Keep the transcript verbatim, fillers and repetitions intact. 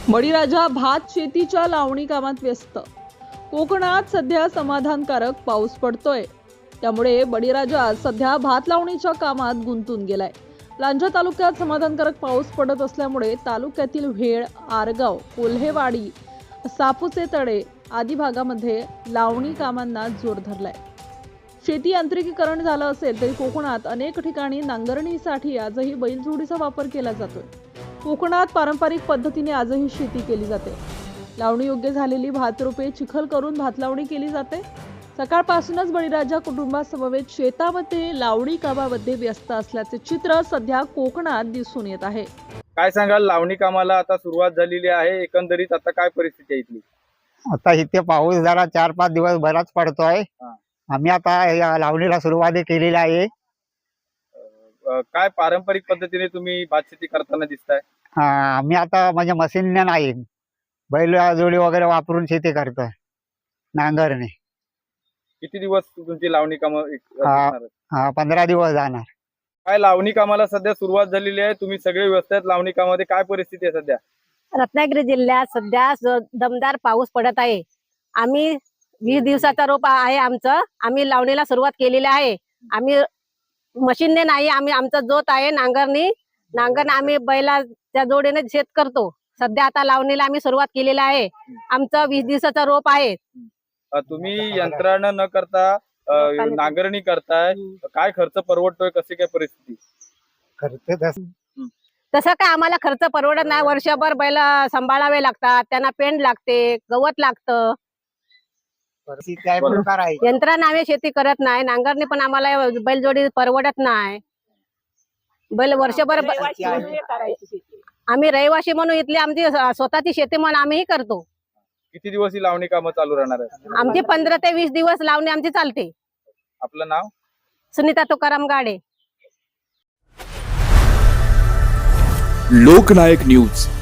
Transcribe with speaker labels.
Speaker 1: बळीराजा भात शेतीच्या लावणी कामात व्यस्त। कोकणात सध्या समाधानकारक पाऊस पडतोय, त्यामुळे बळीराजा सध्या भात लावणीच्या कामात गुंतून गेलाय। लांजा तालुक्यात समाधानकारक पाऊस पडत असल्यामुळे तालुक्यातील वेळ, आरगाव, कोल्हेवाडी, सापुचे तळे आदी भागामध्ये लावणी कामांना जोर धरलाय। शेती यांत्रिकीकरण झालं असेल तरी कोकणात अनेक ठिकाणी नांगरणीसाठी आजही बैलजोडीचा वापर केला जातोय। कोकणात पारंपरिक पद्धतीने आजही शेती केली जाते। लावणी योग्य झालेली भात रोपे चिखल करून भात लावणी केली जाते। सकाळपासूनच बळीराजा कुटुंबासमवेत शेतामध्ये लावणी कामामध्ये व्यस्त असल्याचे चित्र सध्या कोकणात दिसून येत आहे।
Speaker 2: काय सांगाल, लावणी कामाला आता सुरुवात झालेली आहे, एकंदरीत आता काय परिस्थिती आहे इथली?
Speaker 3: आता इथे पाऊस जरा चार पाच दिवस बराच पडतोय। आम्ही आता या लावणीला सुरुवात केलेली आहे।
Speaker 2: अ, काय पारंपरिक पद्धतीने तुम्ही भात शेती करताना दिसताय?
Speaker 3: हा, आम्ही आता म्हणजे मशीनने नाही, बैल जोडी वगैरे वापरून शेती करतोय, नांगरणे।
Speaker 2: किती दिवस तुमची लावणी काम
Speaker 3: हा, पंधरा दिवस जाणार।
Speaker 2: काय लावणी कामाला सध्या सुरुवात झालेली आहे, तुम्ही सगळे व्यस्त आहेत लावणी कामामध्ये, काय परिस्थिती आहे सध्या?
Speaker 4: रत्नागिरी जिल्ह्यात सध्या दमदार पाऊस पडत आहे। आम्ही वीस दिवसाचा रोप आहे आमचं, आम्ही लावणीला सुरुवात केलेली आहे। आम्ही मशीनने नाही, आम्ही आमचा जोत आहे नांगरणी नांगरण आम्ही बैलाच्या जोडीने शेत करतो। सध्या आता लावणीला आम्ही सुरुवात केलेली आहे। आमचं वीस दिवसाचा रोप आहे।
Speaker 2: तुम्ही यंत्रणा न करता नांगरणी करताय, काय खर्च परवडतोय, कशी काय परिस्थिती?
Speaker 3: खर्च
Speaker 4: तसं काय आम्हाला खर्च परवडत नाही। वर्षभर बैल सांभाळावे लागतात, त्यांना पेंड लागते, गवत लागतं। यंत्रणा आम्ही शेती करत नाही, नांगरणी पण आम्हाला बैलजोडी परवडत नाही। बैल वर्षभर आम्ही रहिवासी म्हणून इथली आमची स्वतःची शेती म्हणून आम्ही करतो।
Speaker 2: किती दिवस ही लावणी कामं चालू राहणार आहे?
Speaker 4: आमची पंधरा ते वीस दिवस लावणी आमची चालते।
Speaker 2: आपलं नाव?
Speaker 4: सुनीता तुकाराम गाडे।
Speaker 5: लोकनायक न्यूज